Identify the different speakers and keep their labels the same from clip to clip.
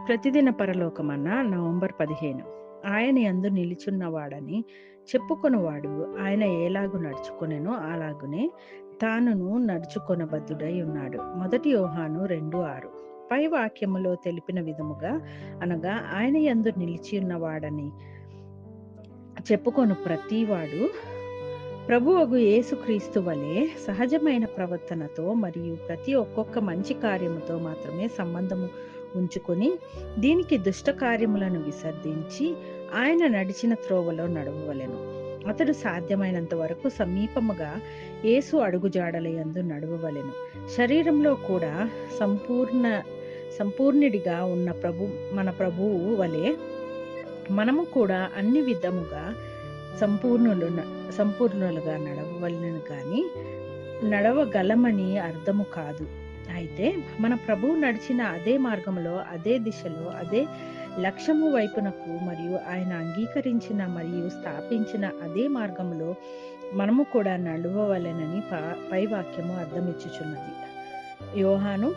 Speaker 1: ప్రతిదిన పరలోకమన్న November 15. ఆయన యందు నిలుచున్నవాడని చెప్పుకొనువాడు ఆయన ఎలాగు నడుచుకొనెనో అలాగునే తానును నడుచుకొనబద్ధుడై ఉన్నాడు. 1 యోహాను 2:6. పై వాక్యములో తెలిపిన విధముగా అనగా ఆయన యందు నిలిచి ఉన్నవాడని చెప్పుకొను ప్రతివాడు ప్రభువగు యేసుక్రీస్తు వలె సహజమైన ప్రవర్తనతో మరియు ప్రతి ఒక్కొక్క మంచి కార్యముతో మాత్రమే సంబంధము ఉంచుకొని దీనికి దుష్ట కార్యములను విసర్జించి ఆయన నడిచిన త్రోవలో నడవవలెను. అతడు సాధ్యమైనంత వరకు సమీపముగా యేసు అడుగుజాడలయందు నడవవలెను. శరీరంలో కూడా సంపూర్ణుడిగా ఉన్న మన ప్రభువు వలె మనము కూడా అన్ని విధముగా సంపూర్ణులుగా నడవవలెను కానీ నడవగలమని అర్థము కాదు. అయితే మన ప్రభువు నడిచిన అదే మార్గంలో, అదే దిశలో, అదే లక్ష్యము వైపునకు మరియు ఆయన అంగీకరించిన మరియు స్థాపించిన అదే మార్గంలో మనము కూడా నడవవలెనని పై వాక్యము అర్థమిచ్చుచున్నది. యోహాను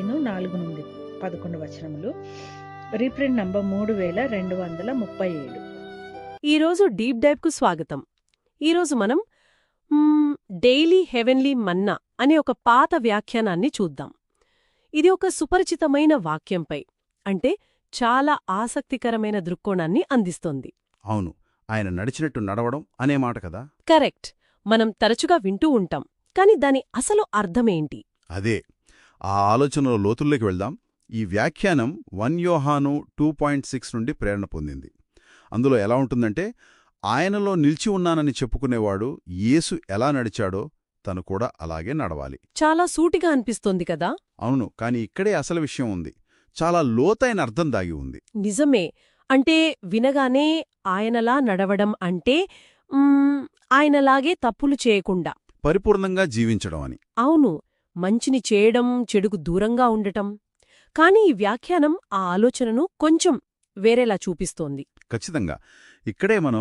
Speaker 1: 15:4-11 రీప్రింట్ నంబర్ 3237.
Speaker 2: ఈరోజు డీప్ డైవ్కు స్వాగతం. ఈరోజు మనం డైలీ హెవెన్లీ మన్నా అనే ఒక పాత వ్యాఖ్యానాన్ని చూద్దాం. ఇది ఒక సుపరిచితమైన వాక్యంపై అంటే చాలా ఆసక్తికరమైన దృక్కోణాన్ని అందిస్తోంది.
Speaker 3: అవును, ఆయన నడిచినట్టు నడవడం అనే మాట కదా.
Speaker 2: కరెక్ట్. మనం తరచుగా వింటూ ఉంటాం, కాని దాని అసలు అర్థమేంటి?
Speaker 3: అదే ఆ ఆలోచనలో లోతుల్లోకి వెళ్దాం. ఈ వ్యాఖ్యానం 1 యోహాను 2.6 నుండి ప్రేరణ పొందింది. అందులో ఎలా ఉంటుందంటే, ఆయనలో నిలిచి ఉన్నానని చెప్పుకునేవాడు యేసు ఎలా నడిచాడో తను కూడా అలాగే నడవాలి.
Speaker 2: చాలా సూటిగా అనిపిస్తోంది కదా.
Speaker 3: అవును, కాని ఇక్కడే అసలు విషయం ఉంది. చాలా లోతైన అర్థం దాగి ఉంది.
Speaker 2: నిజమే. అంటే వినగానే ఆయనలా నడవడం అంటే ఆయనలాగే తప్పులు చేయకుండా
Speaker 3: పరిపూర్ణంగా జీవించడం అని.
Speaker 2: అవును, మంచిని చేయడం, చెడుకు దూరంగా ఉండటం. కాని ఈ వ్యాఖ్యానం ఆ ఆలోచనను కొంచెం వేరేలా చూపిస్తోంది.
Speaker 3: ఖచ్చితంగా. ఇక్కడే మనం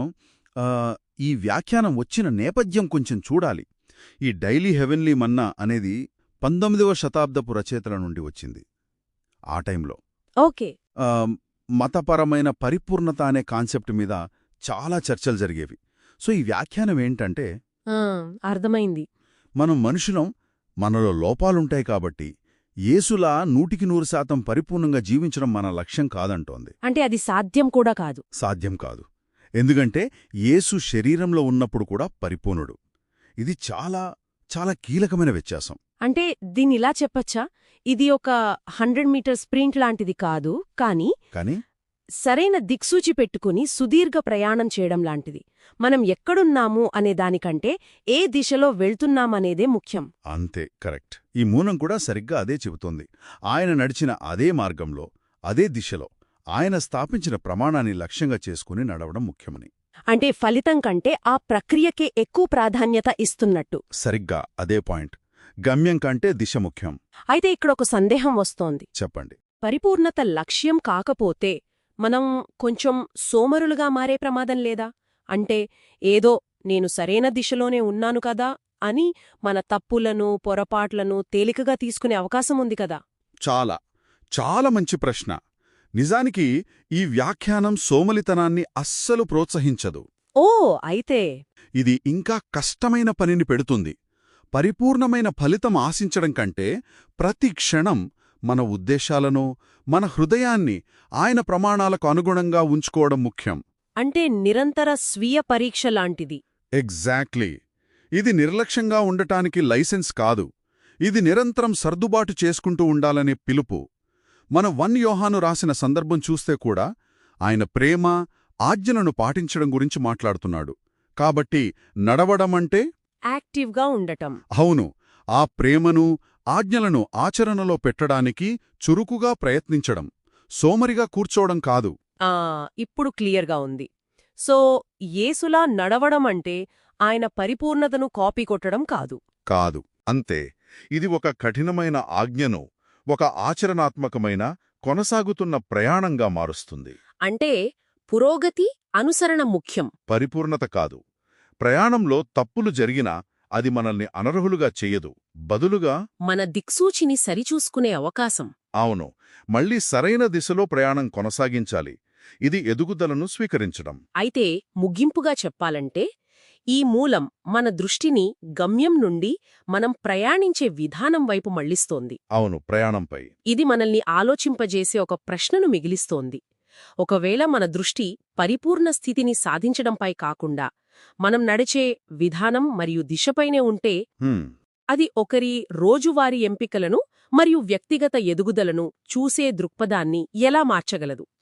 Speaker 3: ఈ వ్యాఖ్యానం వచ్చిన నేపథ్యం కొంచెం చూడాలి. ఈ డైలీ హెవెన్లీ మన్నా అనేది 19వ శతాబ్దపు రచయితల నుండి వచ్చింది. ఆ టైంలో
Speaker 2: ఓకే,
Speaker 3: మతపరమైన పరిపూర్ణత అనే కాన్సెప్ట్ మీద చాలా చర్చలు జరిగేవి. సో ఈ వ్యాఖ్యానం ఏంటంటే,
Speaker 2: అర్థమైంది.
Speaker 3: మనం మనుషులం, మనలో లోపాలుంటాయి కాబట్టి యేసులా 100% పరిపూర్ణంగా జీవించడం మన లక్ష్యం కాదంటోంది.
Speaker 2: అంటే అది సాధ్యం కూడా కాదు.
Speaker 3: సాధ్యం కాదు. ఎందుకంటే యేసు శరీరంలో ఉన్నప్పుడు కూడా పరిపూర్ణుడు. ఇది చాలా చాలా కీలకమైన వ్యత్యాసం.
Speaker 2: అంటే దీన్నిలా చెప్పచ్చా, ఇది ఒక 100 మీటర్ స్ప్రింట్ లాంటిది కాదు, కానీ సరైన దిక్సూచి పెట్టుకుని సుదీర్ఘ ప్రయాణం చేయడం లాంటిది. మనం ఎక్కడున్నాము అనే దానికంటే ఏ దిశలో వెళ్తున్నామనేదే ముఖ్యం.
Speaker 3: అంతే, కరెక్ట్. ఈ మూలం కూడా సరిగ్గా అదే చెబుతోంది. ఆయన నడిచిన అదే మార్గంలో, అదే దిశలో, ఆయన స్థాపించిన ప్రమాణాన్ని లక్ష్యంగా చేసుకుని నడవడం ముఖ్యమని.
Speaker 2: అంటే ఫలితం కంటే ఆ ప్రక్రియకే ఎక్కువ ప్రాధాన్యత ఇస్తున్నట్టు.
Speaker 3: సరిగ్గా అదే పాయింట్. గమ్యం కంటే దిశ ముఖ్యం.
Speaker 2: అయితే ఇక్కడొక సందేహం వస్తోంది.
Speaker 3: చెప్పండి.
Speaker 2: పరిపూర్ణత లక్ష్యం కాకపోతే మనం కొంచెం సోమరులుగా మారే ప్రమాదం లేదా? అంటే ఏదో నేను సరైన దిశలోనే ఉన్నాను కదా అని మన తప్పులను, పొరపాట్లను తేలికగా తీసుకునే అవకాశం ఉంది కదా.
Speaker 3: చాలా చాలా మంచి ప్రశ్న. నిజానికి ఈ వ్యాఖ్యానం సోమలితనాన్ని అస్సలు ప్రోత్సహించదు.
Speaker 2: ఓ అయితే
Speaker 3: ఇది ఇంకా కష్టమైన పనిని పెడుతుంది. పరిపూర్ణమైన ఫలితం ఆశించడం కంటే ప్రతి క్షణం మన ఉద్దేశాలను, మన హృదయాన్ని ఆయన ప్రమాణాలకు అనుగుణంగా ఉంచుకోవడం ముఖ్యం.
Speaker 2: అంటే నిరంతర స్వీయ పరీక్ష లాంటిది.
Speaker 3: ఎగ్జాక్ట్లీ. ఇది నిర్లక్ష్యంగా ఉండటానికి లైసెన్స్ కాదు. ఇది నిరంతరం సర్దుబాటు చేసుకుంటూ ఉండాలనే పిలుపు. మన 1 యోహాను రాసిన సందర్భం చూస్తే కూడా ఆయన ప్రేమ, ఆజ్ఞలను పాటించడం గురించి మాట్లాడుతున్నాడు. కాబట్టి నడవడమంటే
Speaker 2: యాక్టివ్గా ఉండటం.
Speaker 3: అవును, ఆ ప్రేమను, ఆజ్ఞలను ఆచరణలో పెట్టడానికి చురుకుగా ప్రయత్నించడం, సోమరిగా కూర్చోవడం కాదు.
Speaker 2: ఇప్పుడు క్లియర్గా ఉంది. సో యేసులా నడవడమంటే ఆయన పరిపూర్ణతను కాపీ కొట్టడం కాదు.
Speaker 3: కాదు, అంతే. ఇది ఒక కఠినమైన ఆజ్ఞను ఒక ఆచరణాత్మకమైన, కొనసాగుతున్న ప్రయాణంగా మారుస్తుంది.
Speaker 2: అంటే పురోగతి, అనుసరణ ముఖ్యం,
Speaker 3: పరిపూర్ణత కాదు. ప్రయాణంలో తప్పులు జరిగినా అది మనల్ని అనర్హులుగా చెయ్యదు. బదులుగా
Speaker 2: మన దిక్సూచిని సరిచూసుకునే అవకాశం.
Speaker 3: అవును, మళ్ళీ సరైన దిశలో ప్రయాణం కొనసాగించాలి. ఇది ఎదుగుదలను స్వీకరించడం.
Speaker 2: అయితే ముగింపుగా చెప్పాలంటే ఈ మూలం మన దృష్టిని గమ్యం నుండి మనం ప్రయాణించే విధానం వైపు మళ్లిస్తోంది.
Speaker 3: అవును, ప్రయాణంపై.
Speaker 2: ఇది మనల్ని ఆలోచింపజేసే ఒక ప్రశ్నను మిగిలిస్తోంది. ఒకవేళ మన దృష్టి పరిపూర్ణ స్థితిని సాధించడంపై కాకుండా మనం నడిచే విధానం మరియు దిశపైనే ఉంటే
Speaker 3: హ్మ్,
Speaker 2: అది ఒకరి రోజువారీ ఎంపికలను మరియు వ్యక్తిగత ఎదుగుదలను చూసే దృక్పథాన్ని ఎలా మార్చగలదు?